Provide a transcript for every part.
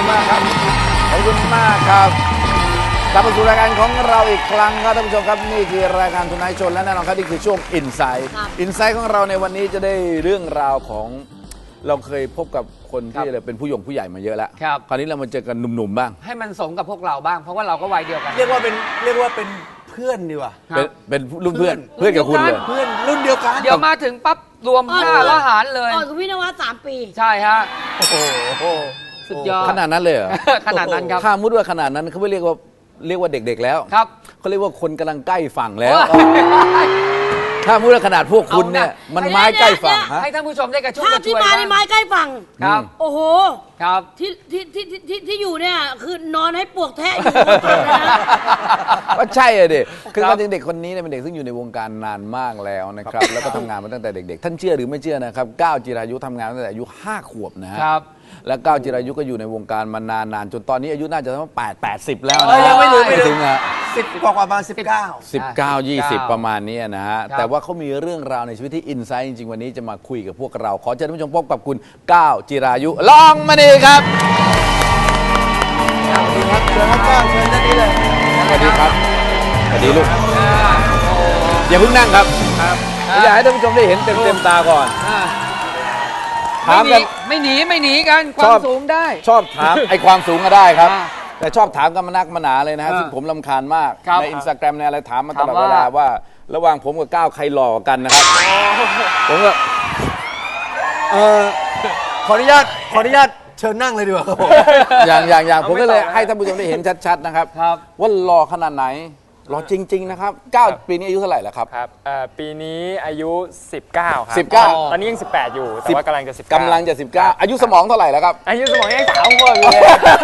คุณมากครับขอบคุณมากครับกลับมาสู่รายการของเราอีกครั้งครับท่านผู้ชมครับนี่คือรายการทุนนายชนและแน่นอนครับนี่คือช่วงอินไซต์ของเราในวันนี้จะได้เรื่องราวของเราเคยพบกับคนที่เป็นผู้ใหญ่มาเยอะแล้วคราวนี้เรามาเจอกันหนุ่มๆบ้างให้มันสมกับพวกเราบ้างเพราะว่าเราก็วัยเดียวกันเรียกว่าเป็นเพื่อนดีกว่าเป็นรุ่นเพื่อนกับคุณเลยเพื่อนรุ่นเดียวกันเดี๋ยวมาถึงปั๊บรวมค่าละหารเลยอ่อนกับพี่นวัด3 ปีใช่ฮะโอ้โหสุดยอดขนาดนั้นเลยเหรอขนาดนั้นครับถ้ามุดว่าขนาดนั้นเขาไม่เรียกว่าเด็กๆแล้วครับเขาเรียกว่าคนกำลังใกล้ฝั่งแล้วถ้ามุดว่าขนาดพวกคุณเนี่ยมันไม้ใกล้ฝั่งให้ท่านผู้ชมได้กระชุ่มกระชวยที่มาในไม้ใกล้ฝั่งครับโอ้โหครับที่อยู่เนี่ยคือนอนให้ปวกแทะอยู่ก็ใช่เลยดิคือความจริงเด็กคนนี้เป็นเด็กซึ่งอยู่ในวงการนานมากแล้วนะครับแล้วก็ทำงานมาตั้งแต่เด็กๆท่านเชื่อหรือไม่เชื่อนะครับก้าวจิรายุทำงานตั้งแต่อายุ5 ขวบนะฮะและก้าวจิรายุก็อยู่ในวงการมานานจนตอนนี้อายุน่าจะต้อง80แล้วนะยังไม่ถึงอ่ะ10 กว่าประมาณ 19 20ประมาณนี้นะฮะแต่ว่าเขามีเรื่องราวในชีวิตที่อินไซต์จริงๆวันนี้จะมาคุยกับพวกเราขอเชิญท่านผู้ชมพบกับคุณก้าวจิรายุลองมาดีครับสวัสดีครับเชิญครับเชิญด้านนี้เลยสวัสดีครับสวัสดีลูกอย่าเพิ่งนั่งครับอยากให้ท่านผู้ชมได้เห็นเต็มตาก่อนถามกันไม่หนีกันความสูงได้ชอบถามไอ้ความสูงก็ได้ครับแต่ชอบถามกันมานักมาหนาเลยนะฮะซึ่งผมรำคาญมากในอินสตาแกรมในอะไรถามมาตลอดเวลาว่าระหว่างผมกับก้าวใครหล่อกันนะครับผมก็ขออนุญาตเชิญนั่งเลยดีกว่าอย่างผมก็เลยให้ท่านผู้ชมได้เห็นชัดๆนะครับว่าหล่อขนาดไหนหล่อจริงๆนะครับ9ปีนี้อายุเท่าไหร่แล้วครับครับปีนี้อายุ19ครับ 19 ตอนนี้ยัง18อยู่แต่ว่ากำลังจะ 19อายุสมองเท่าไหร่แล้วครับอายุสมองยัง3 ขวบอยู่เลย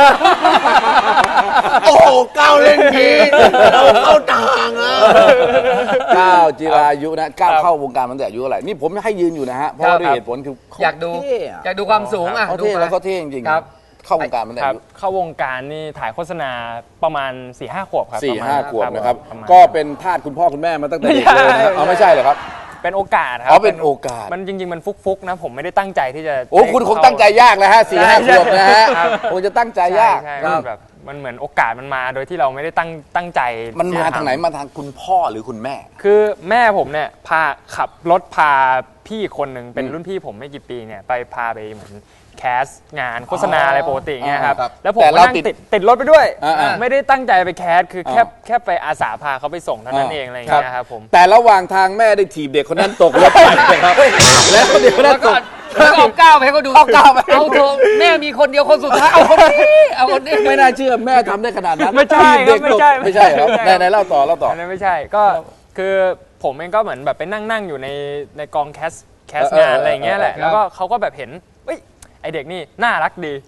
โอ้โหก้าวเล่นดีเราเข้าทางอ่ะก้าวจิรายุนะก้าวเข้าวงการตั้งแต่อายุเท่าไหร่นี่ผมให้ยืนอยู่นะฮะเพราะว่าด้วยเหตุผลคืออยากดูความสูงอ่ะเขาเท่แล้วเขาเท่จริงๆเข้าวงการตั้งแต่อายุเข้าวงการนี่ถ่ายโฆษณาประมาณ 4-5 ขวบครับ 4-5 ขวบนะครับก็เป็นทาสคุณพ่อคุณแม่มาตั้งแต่เด็กเลยนะเอาไม่ใช่เหรอครับเป็นโอกาสครับเป็นโอกาสมันจริงๆมันฟุกๆนะผมไม่ได้ตั้งใจที่จะโอ้คุณคงตั้งใจยากแล้วฮะ4-5 ขวบนะฮะคงจะตั้งใจยากใช่แบบมันเหมือนโอกาสมันมาโดยที่เราไม่ได้ตั้งใจมันมาทางไหนมาทางคุณพ่อหรือคุณแม่คือแม่ผมเนี่ยขับรถพาพี่คนหนึ่งเป็นรุ่นพี่ผมไม่กี่ปีเนี่ยพาไปเหมือนแคสงานโฆษณาอะไรปกติเงี้ยครับแล้วผมก็นั่งติดรถไปด้วยไม่ได้ตั้งใจไปแคสคือแค่ไปอาสาพาเขาไปส่งเท่านั้นเองอะไรอย่างเงี้ยครับผมแต่ระหว่างทางแม่ได้ถีบเด็กคนนั้นตกรถไปครับแล้วเด็กคนนั้นตกเอาก้าวไปให้เขาดูเอาก้าวไปเอาเถอะแม่มีคนเดียวคนสุดท้ายเอาคนนี้ไม่น่าเชื่อแม่ทำได้ขนาดนั้นไม่ใช่ไม่ใช่ครับในเล่าต่อไม่ใช่ก็คือผมเองก็เหมือนแบบไปนั่งอยู่ในกองแคสงานอะไรอย่างเงี้ยแหละแล้วก็เขาก็แบบเห็นไอเด็กนี่น่ารักดี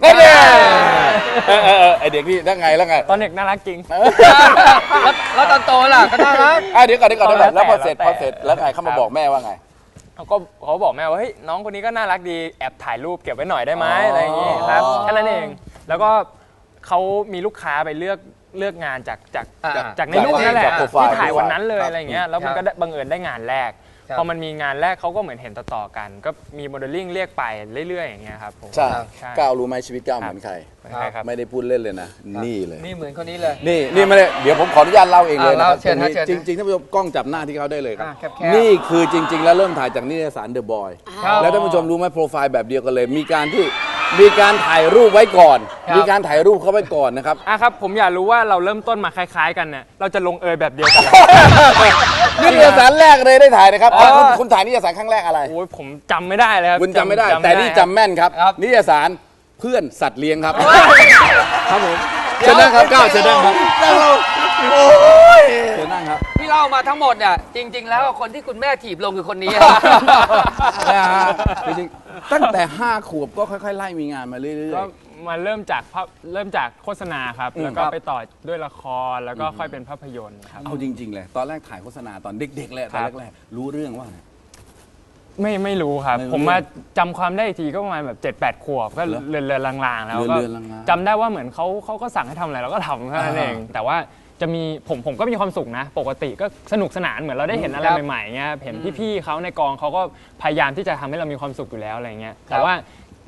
ไอเด็กนี่แล้วไงตอนเด็กน่ารักจริงแล้วตอนโตล่ะก็น่ารักเดี๋ยวก่อนแล้วพอเสร็จแล้วไงเขามาบอกแม่ว่าไงเขาบอกแม่ว่าเฮ้ยน้องคนนี้ก็น่ารักดีแอบถ่ายรูปเก็บไว้หน่อยได้ไหมอะไรอย่างงี้ครับแค่นั้นเองแล้วก็เขามีลูกค้าไปเลือกงานจากในรูปนั่นแหละที่ถ่ายวันนั้นเลยอะไรอย่างเงี้ยแล้วมันก็บังเอิญได้งานแรกพอมันมีงานแรกเขาก็เหมือนเห็นต่อๆกันก็มีโมเดลลิ่งเรียกไปเรื่อยๆอย่างเงี้ยครับผมใช่ก้าวรู้ไหมชีวิตก้าวเหมือนใครไม่ได้พูดเล่นเลยนะนี่เลยนี่เหมือนคนนี้เลยนี่ไม่ได้เดี๋ยวผมขออนุญาตเล่าเองเลยนะครับจริงๆท่านผู้ชมกล้องจับหน้าที่เขาได้เลยครับนี่คือจริงๆแล้วเริ่มถ่ายจากนิตยสารเดอะบอยแล้วท่านผู้ชมรู้ไหมโปรไฟล์แบบเดียวกันเลยมีการถ่ายรูปไว้ก่อนมีการถ่ายรูปเขาไว้ก่อนนะครับครับผมอยากรู้ว่าเราเริ่มต้นมาคล้ายๆกันเนี่ยเราจะลงแบบเดียวกันนิตยสารแรกเลยได้ถ่ายนะครับคุณถ่ายนิตยสารครั้งแรกอะไรโอ้ยผมจำไม่ได้เลยครับคุณจำไม่ได้แต่นี่จำแม่นครับนิตยสารเพื่อนสัตว์เลี้ยงครับครับผมเชิญนั่งครับก้าวเชิญนั่งครับโอ้ยเชิญนั่งครับที่เล่ามาทั้งหมดเนี่ยจริงๆแล้วคนที่คุณแม่ถีบลงคือคนนี้จริงๆตั้งแต่5 ขวบก็ค่อยๆไล่มีงานมาเรื่อยๆมาเริ่มจากโฆษณาครับแล้วก็ไปต่อด้วยละครแล้วก็ค่อยเป็นภาพยนตร์ครับเอาจริงๆเลยตอนแรกถ่ายโฆษณาตอนเด็กๆเลยตอนแรกๆรู้เรื่องว่าไม่รู้ครับผมมาจำความได้ทีก็ประมาณแบบ7-8 ขวบก็เรือนลางๆแล้วก็จำได้ว่าเหมือนเขาก็สั่งให้ทำอะไรเราก็ทำแค่นั้นเองแต่ว่าจะมีผมก็มีความสุขนะปกติก็สนุกสนานเหมือนเราได้เห็นอะไรใหม่ๆเงี้ยเห็นพี่ๆเขาในกองเขาก็พยายามที่จะทำให้เรามีความสุขอยู่แล้วอะไรเงี้ยแต่ว่า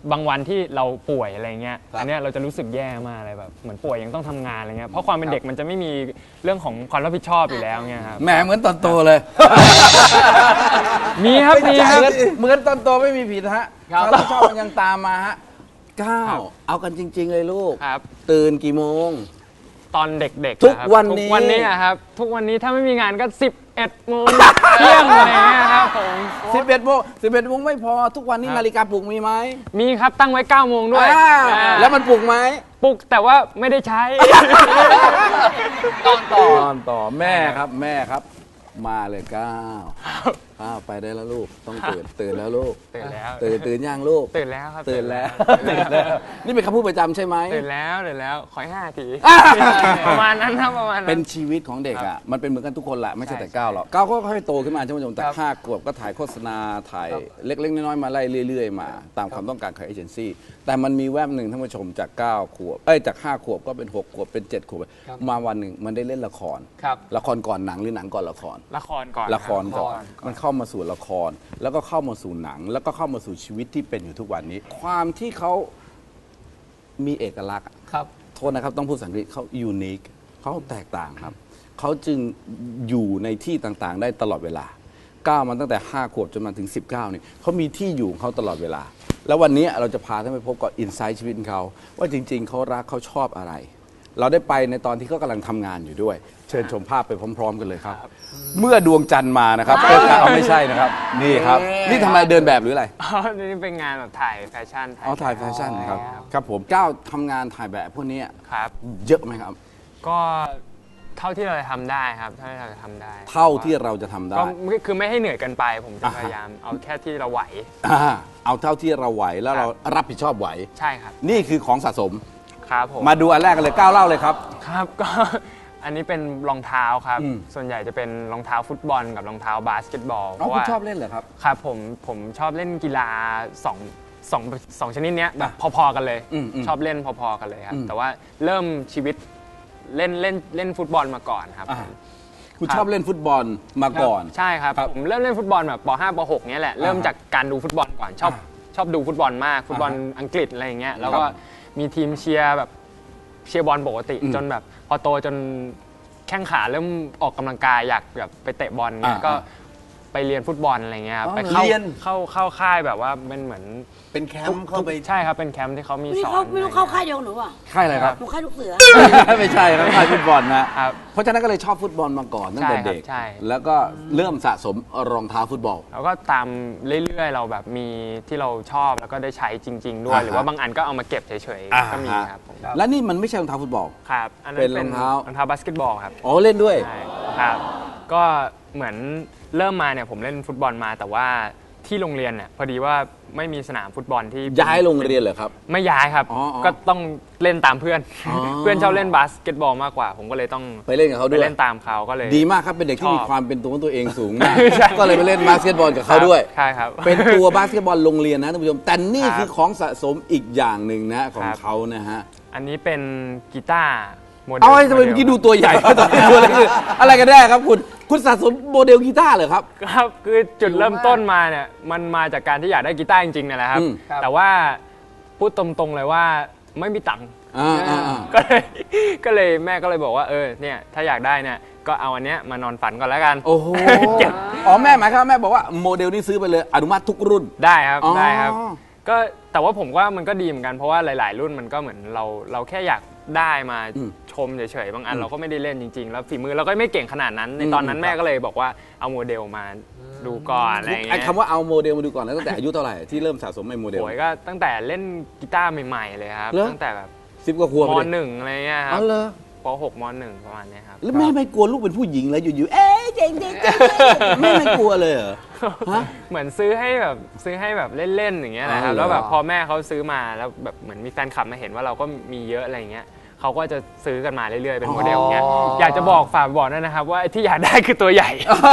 บางวันที่เราป่วยอะไรเงี้ยอันเนี้ยเราจะรู้สึกแย่มากเลยแบบเหมือนป่วยยังต้องทำงานอะไรเงี้ยเพราะความเป็นเด็กมันจะไม่มีเรื่องของความรับผิดชอบอยู่แล้วเงี้ยครับแหมเหมือนตอนโตเลยมีครับมีครับเหมือนตอนโตไม่มีผิดฮะความรับผิดชอบมันยังตามมาฮะก้าวเอากันจริง ๆ เลยลูกครับตื่นกี่โมงตอนเด็กๆทุกนะครับวันนี้ทุกวันนี้อะครับทุกวันนี้ถ้าไม่มีงานก็ 11 โมงเที่ยงอะไรเงี้ยครับผม 11 โมงไม่พอทุกวันนี้นาฬิกาปลุกมีไหมมีครับตั้งไว้ 9 โมงด้วยแล้วมันปลุกไหมปลุกแต่ว่าไม่ได้ใช้นอนต่อแม่ครับแม่ครับ มาเลยก้าวไปได้แล้วลูกต้องตื่นแล้วลูกตื่นแล้วตื่นย่างลูกตื่นแล้วครับตื่นแล้วนี่เป็นคำพูดประจำใช่ไหมตื่นแล้วขอให้5 ทีประมาณนั้นครับประมาณนั้นเป็นชีวิตของเด็กอ่ะมันเป็นเหมือนกันทุกคนแหละไม่ใช่แต่ก้าวหรอกก้าวก็ค่อยๆโตขึ้นมาท่านผู้ชมแต่5 ขวบก็ถ่ายโฆษณาถ่ายเล็กๆน้อยๆมาไล่เรื่อยๆมาตามความต้องการของเอเจนซี่แต่มันมีแวบหนึ่งท่านผู้ชมจาก9 ขวบจาก5 ขวบก็เป็น6 ขวบเป็น7 ขวบมาวันหนึ่งมันได้เล่นละครครับละครก่อนหนังหรือหนังก่อนละครละครก่อนละครก่อนมันเข้ามาสู่ละคร แล้วก็เข้ามาสู่หนัง แล้วก็เข้ามาสู่ชีวิตที่เป็นอยู่ทุกวันนี้ ความที่เขามีเอกลักษณ์อะครับโทษนะครับต้องพูดภาษาอังกฤษเขายูนิคเขาแตกต่างครับเขาจึงอยู่ในที่ต่างๆ ได้ตลอดเวลาก้าวมันตั้งแต่5 ขวบจนมาถึง19เนี่ยเขามีที่อยู่ของเขาตลอดเวลา แล้ววันนี้เราจะพาท่านไปพบกับอินไซต์ชีวิตของเขาว่าจริง ๆเขารักเขาชอบอะไร เราได้ไปในตอนที่เขากำลังทำงานอยู่ด้วย เชิญชมภาพไปพร้อม ๆ กันเลยครับ เมื่อดวงจันทร์มานะครับเอาไม่ใช่นะครับ นี่ครับ นี่ทำอะไรเดินแบบหรืออะไรอ๋อนี่เป็นงานแบบถ่ายแฟชั่นถ่ายแฟชั่นครับครับผมก้าวทำงานถ่ายแบบพวกนี้ครับเยอะไหมครับก็เท่าที่เราจะทำได้ครับเท่าที่เราจะทำได้เท่าที่เราจะทำได้ก็คือไม่ให้เหนื่อยเกินไป ผมจะพยายามเอาแค่ที่เราไหวเอาเท่าที่เราไหวแล้วเรารับผิดชอบไหวใช่ครับนี่คือของสะสมครับผมมาดูอันแรกกันเลยก้าวเล่าเลยครับครับก็ อันนี้เป็นรองเท้าครับอืมส่วนใหญ่จะเป็นรองเท้าฟุตบอลกับรองเท้าบาสเกตบอลคุณชอบเล่นเหรอครับครับผมชอบเล่นกีฬาสองชนิดเนี้ยแบบพอๆกันเลย ชอบเล่นพอๆกันเลยครับแต่ว่าเริ่มชีวิตเล่นฟุตบอลมาก่อนครับคุณชอบเล่นฟุตบอลมาก่อนใช่ครับผมเริ่มเล่นฟุตบอลแบบป .5 ป .6 เนี้ยแหละเริ่มจากการดูฟุตบอลก่อนชอบดูฟุตบอลมากฟุตบอลอังกฤษอะไรอย่างเงี้ยแล้วก็มีทีมเชียร์แบบเชียร์บอลปกติจนแบบพอโตจนแข้งขาเริ่มออกกำลังกายอยากแบบไปเตะบอลเงี้ยก็ไปเรียนฟุตบอลอะไรเงี้ยครับไปเข้าค่ายแบบว่าเป็นเหมือนเป็นแคมป์เข้าไปใช่ครับเป็นแคมป์ที่เขามีนี่สอนเขาไม่รู้เข้าค่ายเดียวกับหนูอ่ะค่ายอะไรครับหนูค่ายลูกเสือไม่ใช่ครับค่ายฟุตบอลนะครับเพราะฉะนั้นก็เลยชอบฟุตบอลมาก่อนตั้งแต่เด็กใช่แล้วก็เริ่มสะสมรองเท้าฟุตบอลแล้วก็ตามเรื่อยๆเราแบบมีที่เราชอบแล้วก็ได้ใช้จริง ๆ ด้วย หรือว่าบางอันก็เอามาเก็บเฉยๆก็มีครับผมและนี่มันไม่ใช่รองเท้าฟุตบอลครับอันนั้นเป็เป็นนรองเท้าบาสเกตบอลครับอ๋อเล่นด้วยใช่ครับก็เหมือนเริ่มมาเนี่ยผมเล่นฟุตบอลมาแต่ว่าที่โรงเรียนเนี่ยพอดีว่าไม่มีสนามฟุตบอลที่ย้ายโรงเรียนเหรอครับไม่ย้ายครับอ๋อก็ต้องเล่นตามเพื่อนอ๋อเพื่อนชอบเล่นบาสเกตบอลมากกว่า ผมก็เลยต้องไปเล่นกับเขาไปด้วยเล่นตามเขาก็เลยดีมากครับเป็นเด็กที่ชอบมีความเป็นตัวของตัวเองสูงมากใช่ก็เลยไปเล่นบาสเกตบอลกับเขาด้วยใช่ครับเป็นตัวบาสเกตบอลโรงเรียนนะท่านผู้ชมแต่นี่ครับคือของสะสมอีกอย่างหนึ่งนะของครับเขานะฮะอันนี้เป็นกีตาร์โมเดลเอาไอ้ทำไมเมื่อกี้ดูตัวใหญ่ ตอนนี้ตัวเล็กคืออะไรกันแน่ครับคุณสะสมโมเดลกีตาร์เหรอครับครับคือจุดเริ่มต้นมาเนี่ยมันมาจากการที่อยากได้กีตาร์จริงๆเนี่ยแหละครับ แต่ว่าพูดตรงๆเลยว่าไม่มีตังค์ ก็เลยแม่ก็เลยบอกว่าเนี่ยถ้าอยากได้เนี่ยก็เอาอันเนี้ยมานอนฝันก่อนแล้วกันโอ้โหอ๋อแม่หมายความว่าแม่บอกว่าโมเดลนี้ซื้อไปเลยอนุมัติทุกรุ่นได้ครับอ๋อได้ครับก็แต่ว่าผมว่ามันก็ดีเหมือนกันเพราะว่าหลาย ๆ รุ่นมันก็เหมือนเราแค่อยากได้มาชมเฉยๆบางอันเราก็ไม่ได้เล่นจริง ๆ แล้วฝีมือเราก็ไม่เก่งขนาดนั้น ในตอนนั้นแม่ก็เลยบอกว่าเอาโมเดลมาดูก่อนอะไรอย่างไอ้เงี้ยคำว่าเอาโมเดลมาดูก่อนแล้วตั้งแต่อายุเท่าไหร่ที่เริ่มสะสมไอ้โมเดลโอยก็ตั้งแต่เล่นกีตาร์ใหม่ๆเลยครับเหรอตั้งแต่แบบ 10 กว่าขวบมเลย .1 อะไรเงี้ยครัอ๋บอเหรอป .6 ม .1 ประมาณเนี้ยครับแล้วแม่ไม่กลัวลูกเป็นผู้หญิงเลยอยู่ๆเจ๋งแม่ไม่กลัวเลยเหรอฮะเหมือนซื้อให้แบบเล่นๆอย่างเงี้ยนะครับอ๋อเหรอแล้วแบบพอแม่เขาซื้อมาแล้วแบบเหมือนมีแฟนคลับมาเห็นว่าเราก็มีเยอะอะไรเงี้ยเขาก็จะซื้อกันมาเรื่อยๆเป็นโมเดลเงี้ยอยากจะบอกฝากบอกด้วยนะครับว่าไอ้ที่อยากได้คือตัวใหญ่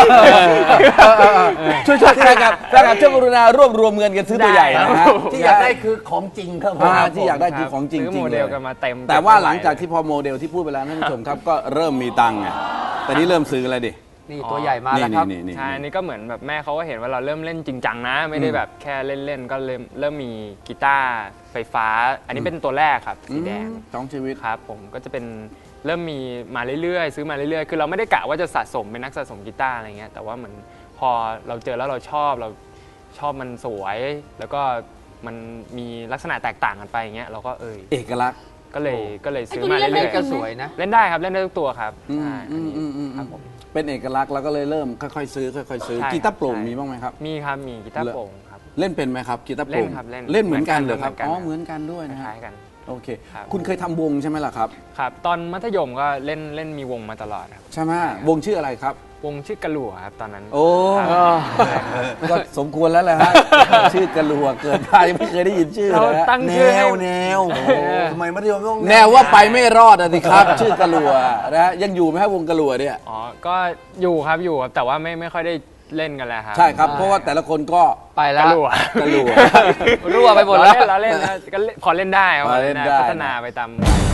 ช่วยแฟนคลับช่วยกรุณารวบรวมเงินกันซื้อตัวใหญ่นะฮะที่อยากได้คือของจริงครับผมที่อยากได้คือของจริงซื้อๆโมเลเดยลกันมาเต็มแต่ว่าหลังจากที่พอโมเดลที่พูดไปแล้วท่านผู้ชมครับก็เริ่มมีตังค์ไงแต่นี่เริ่มซื้ออะไรดินี่ตัวใหญ่มาแล้วครับใช่อันนี้ก็เหมือนแบบแม่เขาก็เห็นว่าเราเริ่มเล่นจริงจังนะ ไม่ได้แบบแค่เล่นๆก็เริ่มมีกีตาร์ไฟฟ้า อันนี้เป็นตัวแรกครับสีแดงท้องชีวิตครับผมก็จะเป็นเริ่มมีมาเรื่อยๆซื้อมาเรื่อยๆคือเราไม่ได้กะว่าจะสะสมเป็นนักสะสมกีตาร์อะไรเงี้ยแต่ว่าเหมือนพอเราเจอแล้วเราชอบมันสวย แล้วก็มันมีลักษณะแตกต่างกันไปอย่างเงี้ยเราก็เอกลักษณ์ก็เลยซื้อไอ้ตัวนี้มาเรื่อยเล่นๆก็สวยนะเล่นได้ครับเล่นได้ทุกตัวครับใช่ครับผมเป็นเอกลักษณ์แล้วก็เลยเริ่มค่อยๆซื้อค่อยๆซื้อใช่ครับกีตาร์โปร่งใช่มีบ้างไหมครับมีครับมีกีตาร์โปร่งครับเล่นเป็นไหมครับกีตาร์โปร่งเล่นครับเล่นเล่นเหมือนกันเหรอครับเหมือนกันอ๋อเหมือนกันด้วยคนะฮะล้ายๆกันโอเคครับคุณเคยทำวงใช่ไหมล่ะครับครับตอนมัธยมก็เล่นมีวงมาตลอดครับใช่ไหมวงชื่ออะไรครับวงชื่อกระหลัวครับตอนนั้นโอ้ ก็สมควรแล้วแหละฮะ ชื่อกระลัวเกิดมายังไม่เคยได้ยินชื่อเราเลยฮะตั้งชื่อให้แนวทำไมมัธยมต้องแนวว่าไปไม่รอดอะสิครับ ชื่อกระลัวนะฮะยังอยู่ไหมฮะวงกระลัวเนี่ยอ๋อก็อยู่ครับแต่ว่าไม่ค่อยได้เล่นกันแล้วครับใช่ครับ เพราะว่าแต่ละคนก็ไปกแล้วระหลัวกระลัวรั่วไปหมดแล้วเราเล่นนะก็พอเล่นได้ครับพอเล่นได้พัฒนาไปตาม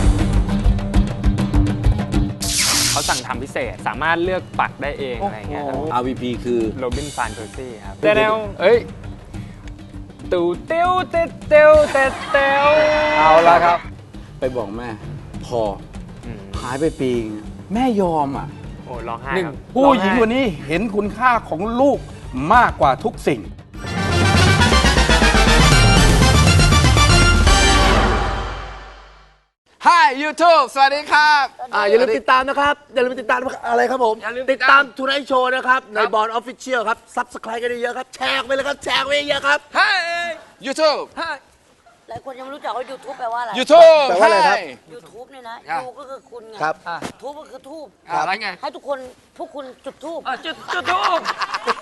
เขาสั่งทำพิเศษสามารถเลือกปักได้เองอะไรอย่างเงี้ยครับ RVP คือโรบินฟานเพอร์ซี่ครับแต่แนวเอ้ยตูเตียวเตเตียวเตเตียวเอาละครับไปบอกแม่ พออืมหายไปปีนึงแม่ยอมอ่ะโอ้ร้องไห้หนึ่งครับผู้หญิงคนนี้เห็นคุณค่าของลูกมากกว่าทุกสิ่ง Hi YouTube สวัสดีครับอย่าลืมติดตามนะครับ อย่าลืมติดตามอะไรครับผม ติดตามทูไนท์โชว์นะครับ ในบอลออฟฟิเชียลครับ ซับสไครต์กันเยอะๆครับ แชร์ไปเลยครับ แชร์ไปเยอะๆครับ Hi YouTube หลายคนยังไม่รู้จักว่า YouTube แปลว่าอะไร YouTube แปลว่าอะไรครับ Hi YouTube เนี่ยนะครับยูก็คือคุณไงครับทูบก็คือทูบอะไรไงให้พวกคุณจุดทูบจุดทูบ